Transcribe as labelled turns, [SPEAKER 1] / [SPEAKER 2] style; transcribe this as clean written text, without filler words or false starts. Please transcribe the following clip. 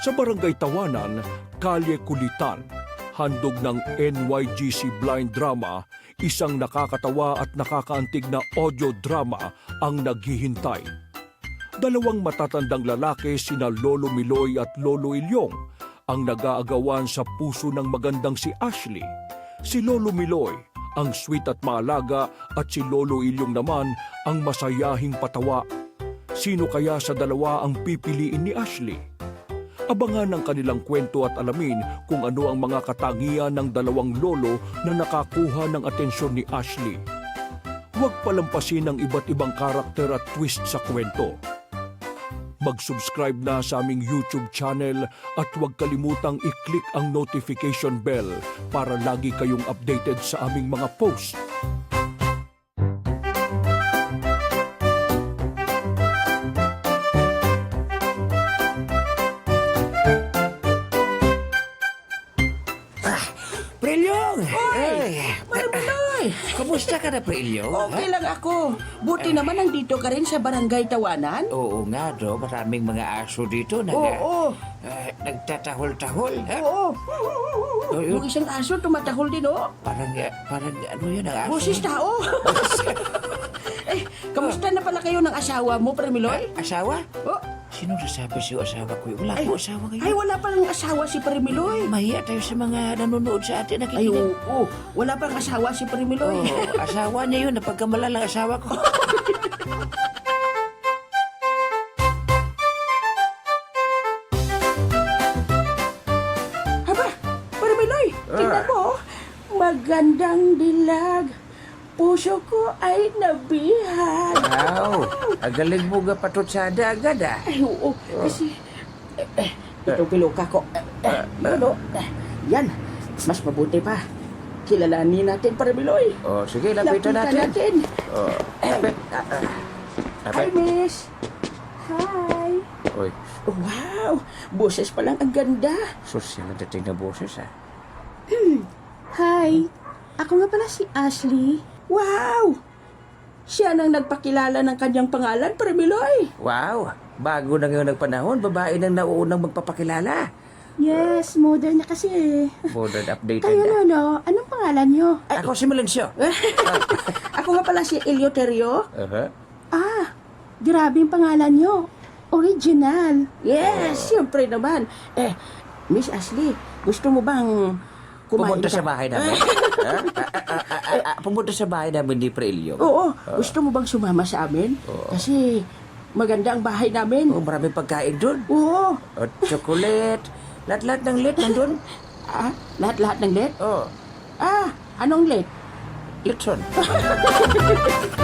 [SPEAKER 1] Sa Barangay Tawanan, Kalye Kulitan, handog ng NYGC Blind Drama, isang nakakatawa at nakakaantig na audio drama ang naghihintay. Dalawang matatandang lalaki sina Lolo Miloy at Lolo Ilyong ang nag-aagawan sa puso ng magandang si Ashley. Si Lolo Miloy ang sweet at maalaga at si Lolo Ilyong naman ang masayahing patawa. Sino kaya sa dalawa ang pipiliin ni Ashley? Abangan ang kanilang kwento at alamin kung ano ang mga katangian ng dalawang lolo na nakakuha ng atensyon ni Ashley. Huwag palampasin ang iba't ibang karakter at twist sa kwento. Mag-subscribe na sa aming YouTube channel at huwag kalimutang i-click ang notification bell para lagi kayong updated sa aming mga post.
[SPEAKER 2] Prelyong!
[SPEAKER 3] Oy! Marmaloy!
[SPEAKER 2] Kumusta ka na, Prelyong?
[SPEAKER 3] Okay lang ako. Buti naman nandito ka rin sa Barangay Tawanan.
[SPEAKER 2] Oo nga, do. Maraming mga aso dito na
[SPEAKER 3] Oo.
[SPEAKER 2] nagtatahol-tahol. Ha?
[SPEAKER 3] Oo.
[SPEAKER 2] Oo, yun.
[SPEAKER 3] Yung isang aso tumatahol din, oh.
[SPEAKER 2] Parang ano yun ang aso?
[SPEAKER 3] Boses tao. Kamusta na pala kayo ng asawa mo, Premiloy?
[SPEAKER 2] Asawa?
[SPEAKER 3] Oh.
[SPEAKER 2] Sino nasabi siyo asawa ko? Wala ko asawa ngayon.
[SPEAKER 3] Ay, wala palang asawa si Premiloy.
[SPEAKER 2] Mahiya tayo sa mga nanonood sa atin.
[SPEAKER 3] Ay,
[SPEAKER 2] Nakikinig.
[SPEAKER 3] oo. Wala pang asawa si Premiloy.
[SPEAKER 2] Oo, asawa niya yun. Napagkamalalang asawa ko.
[SPEAKER 3] Haba, Premiloy, tingnan mo, oh. Magandang dilag. Puso ko ay nabihag.
[SPEAKER 2] Wow! Ang galing mo nga patutsada agad, ah.
[SPEAKER 3] Ay, oo. Kasi, itong piluka ko. Ano? Yan. Mas mabuti pa. Kilalanin natin, Paramiloy.
[SPEAKER 2] Oh, sige, lapitan natin. Oh.
[SPEAKER 3] Hi, miss. Hi.
[SPEAKER 2] Oy,
[SPEAKER 3] Wow. Boses pa lang ang ganda.
[SPEAKER 2] social na dating na boses, ah.
[SPEAKER 4] Hi, ako nga pala si Ashley.
[SPEAKER 3] Wow. Siya nang nagpakilala ng kanyang pangalan, Paramiloy.
[SPEAKER 2] Wow! Bago na ngayon ang panahon, babae nang nauunang magpapakilala.
[SPEAKER 4] Yes, modern na kasi eh.
[SPEAKER 2] Modern updated
[SPEAKER 4] Kayo
[SPEAKER 2] na.
[SPEAKER 4] Lolo, anong pangalan nyo?
[SPEAKER 2] Ako si Melencio.
[SPEAKER 3] Ako nga pala si Eleuterio.
[SPEAKER 4] Ah, grabe yung pangalan nyo. Original.
[SPEAKER 3] Yes, siyempre naman. Miss Ashley, gusto mo bang kumain
[SPEAKER 2] Pumunta
[SPEAKER 3] ka?
[SPEAKER 2] sa bahay namin. Pumunta sa bahay namin ni Prelio.
[SPEAKER 3] Oo, gusto mo bang sumama sa amin? Kasi maganda ang bahay namin.
[SPEAKER 2] Oh, maraming pagkain doon.
[SPEAKER 3] Oo.
[SPEAKER 2] At chocolate. Lahat-lahat ng lit nandun.
[SPEAKER 3] Lahat-lahat ng let?
[SPEAKER 2] Oh,
[SPEAKER 3] Anong let?
[SPEAKER 2] litson.